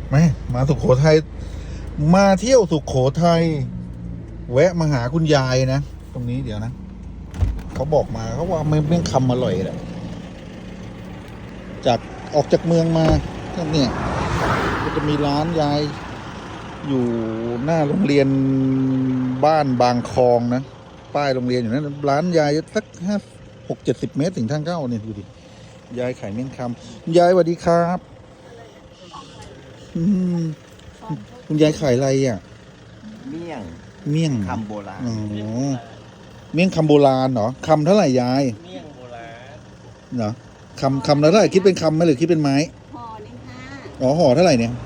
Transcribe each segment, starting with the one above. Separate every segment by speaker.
Speaker 1: มาสุโขทัยมาเที่ยวสุโขทัยแวะมาหาคุณยายนะตรงนี้เดี๋ยวนะเขาบอกมาเขาว่าเมี่ยงคำอร่อยแหละจากออกจากเมืองมาก็เนี่ยก็จะมีร้านยายอยู่หน้าโรงเรียนบ้านบางคลองนะป้ายโรงเรียนอยู่นั้นร้านยายสัก60-70 เมตรถึงทางเข้าเนี่ยดูดิยายขายเมี่ยงคำยายสวัสดีครับคุณยายขายอะไรอ่ะ
Speaker 2: เมี่ยงคำโบราณ
Speaker 1: อ๋อเมี่ยงคำโบราณเหรอคำเท่าไหร่ยาย
Speaker 2: เมี่ยงโบราณ
Speaker 1: เหรอคำละเท่าไหร่คิดเป็นคำไหมหรือคิดเป็นไม้
Speaker 3: ห่อหนึ่งค่ะ
Speaker 1: อ๋อห่อเท่าไหร่เนี่ย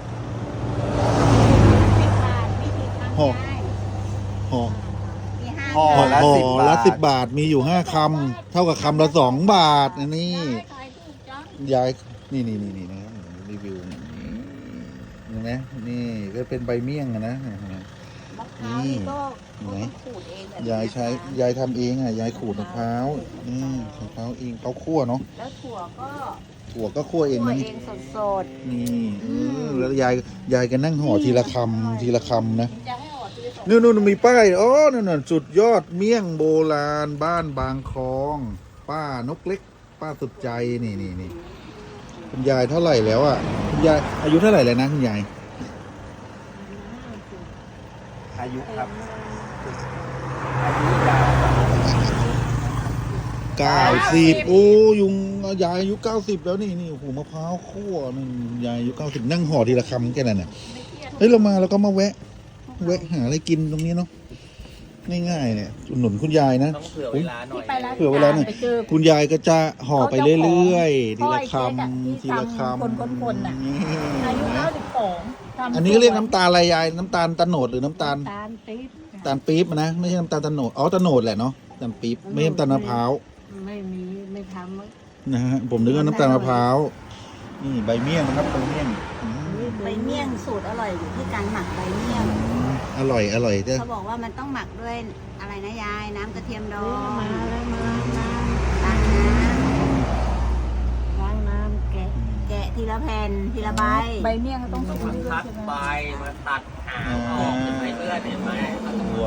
Speaker 1: ห่อห่อ
Speaker 2: ห่อละ
Speaker 1: 10 บาทมีอยู่5 คำเท่ากับคำละ2 บาทนะนี่ยายนี่นะครับรีวิวเห็นไหมนี่ก็เป็นใบเมี่ยงนะนี่ไหนยายทำเองอ่ะยายขูดมะพร้าวนี่มะพร้าวเองเขาคั่วเนาะ
Speaker 3: แล้วถั่วก็
Speaker 1: คั่วเองนะ
Speaker 3: สด
Speaker 1: นี่แล้วยายก็นั่งห่อทีละคำนะนู่นมีป้ายอ๋อนั่นสุดยอดเมี่ยงโบราณบ้านบางคลองป้านกเล็กป้าสุดใจนี่คุณยายเท่าไหร่แล้วอ่ะคุณยายอายุเท่าไหร่แล้วนะคุณยาย
Speaker 2: อายุครับอายุยาว
Speaker 1: 90โอ้ยุงยายอายุ90แล้วนี่โอ้โหมะพร้าวคั่วนี่ยายอายุ90นั่งห่อทีละคำแค่นั้นน่ะเฮ้ยเรามาแล้วก็มาแวะหาอะไรกินตรงนี้เนาะง่ายๆเนี่ยอุดหนุนคุณยายนะ
Speaker 2: ต้องเผื่อเวลาหน่อย
Speaker 1: เผื่อเวลาหน่อยคุณยายก็จะห่อไปเรื่อยๆทีละคำ
Speaker 3: คนน่ะอายุ92อั
Speaker 1: นนี้เรียกน้ำตาลอะไรยายน้ำตาลตะโนดหรือน้ำตาลปี๊บนะไม่ใช่น้ำตาลตะโนดอ๋อตะโนดแหละเนาะน้ำตาลปี๊บไม่ใช่น้ำตาลมะพร้าว
Speaker 3: ไม่ทำ
Speaker 1: นะฮะผมนึกว่าน้ำตาลมะพร้าวนี่ใบเมี่ยงนะครับใบเมี่ยง
Speaker 3: สูตรอร่อยอยู่ที่การหมักใบเมี่ยง
Speaker 1: อร่อยเจ้า
Speaker 3: เขาบอกว่ามันต้องหมักด้วยอะไรนะยายน้ำกระเทียมดองมาล้างน้ำแกะทีละแผ่นทีละใบเมี่ยงต้อง
Speaker 2: มาคัดใบมาตัดหางออกเป็นใบเลือดเห็นไหม
Speaker 1: ตัว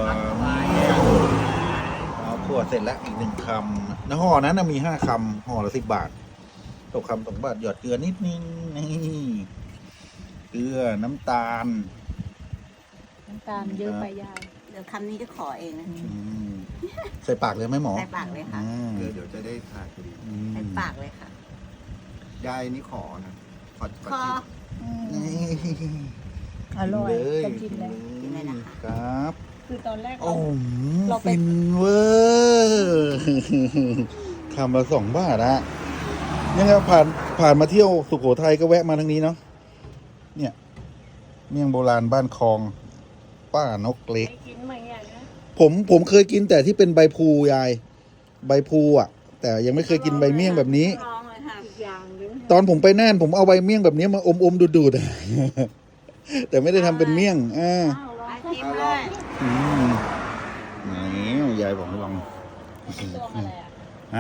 Speaker 1: เอาถั่วเสร็จแล้วอีก1 คำนะห่อนั้นมี5 คำห่อละ10 บาทตกคำ2 บาทหยอดเกลือนิดนึงนี่เกลือน้ำตาล
Speaker 3: เยอะไปยายเดี๋ยวคำนี้จะขอเองนะ
Speaker 1: ใส่ปากเลยไหมหมอ
Speaker 3: ใส่ปากเลยค่ะ
Speaker 2: เดี๋ยวจะได้ทานพอดี
Speaker 3: ใส่ปากเลยค่ะ
Speaker 2: ยายนี่ขอนะขอ
Speaker 3: อร่อย
Speaker 1: จะ
Speaker 3: กินเลยนะคะ
Speaker 1: ครับ
Speaker 3: คือตอนแรก
Speaker 1: โอ้ฟินเวอร์คำละ2 บาทอะนี่ครับผ่านมาเที่ยวสุโขทัยก็แวะมาทางนี้เนาะเนี่ยเมี่ยงโบราณบ้านคลองป้านกเล็กผมเคยกินแต่ที่เป็นใบพลูยายใบพลูอ่ะแต่ยังไม่เคยกินใบเมี่ยงแบบนี้ตอนผมไปน่านผมเอาใบเมี่ยงแบบนี้มาอมดูดแต่ไม่ได้ทำเป็นเมี่ยงนี่ยายบอกให้ลองฮะ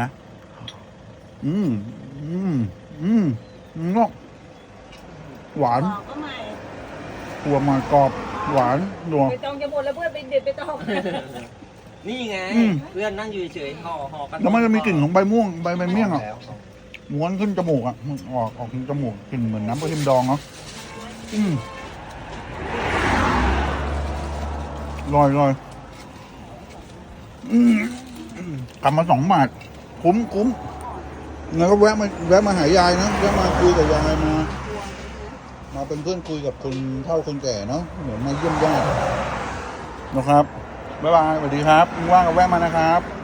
Speaker 1: หวานหัวมากรอบหวานนัว
Speaker 3: ไปตองจะหมดแล้วเพื่อนไปเด็ดไปตอง
Speaker 2: นี่ไงเพื่อนนั่งอยู่เฉยห่อกัน
Speaker 1: แล้วมันจะมีกลิ่นของใบม่วงใบเมี่ยงอ่ะม้วนขึ้นจมูกอ่ะออกจมูกกลิ่นเหมือนน้ำกระเทียมดองเนาะลอยกลับมา2 บาทคุ้มแล้วก็แวะมาหายายนะแวะมาคุยกับยายมาเป็นเพื่อนคุยกับคนเฒ่าคนแก่เนาะเหมือนมาเยี่ยมญาตินะครับบ๊ายบายสวัสดีครับว่างก็แวะมานะครับ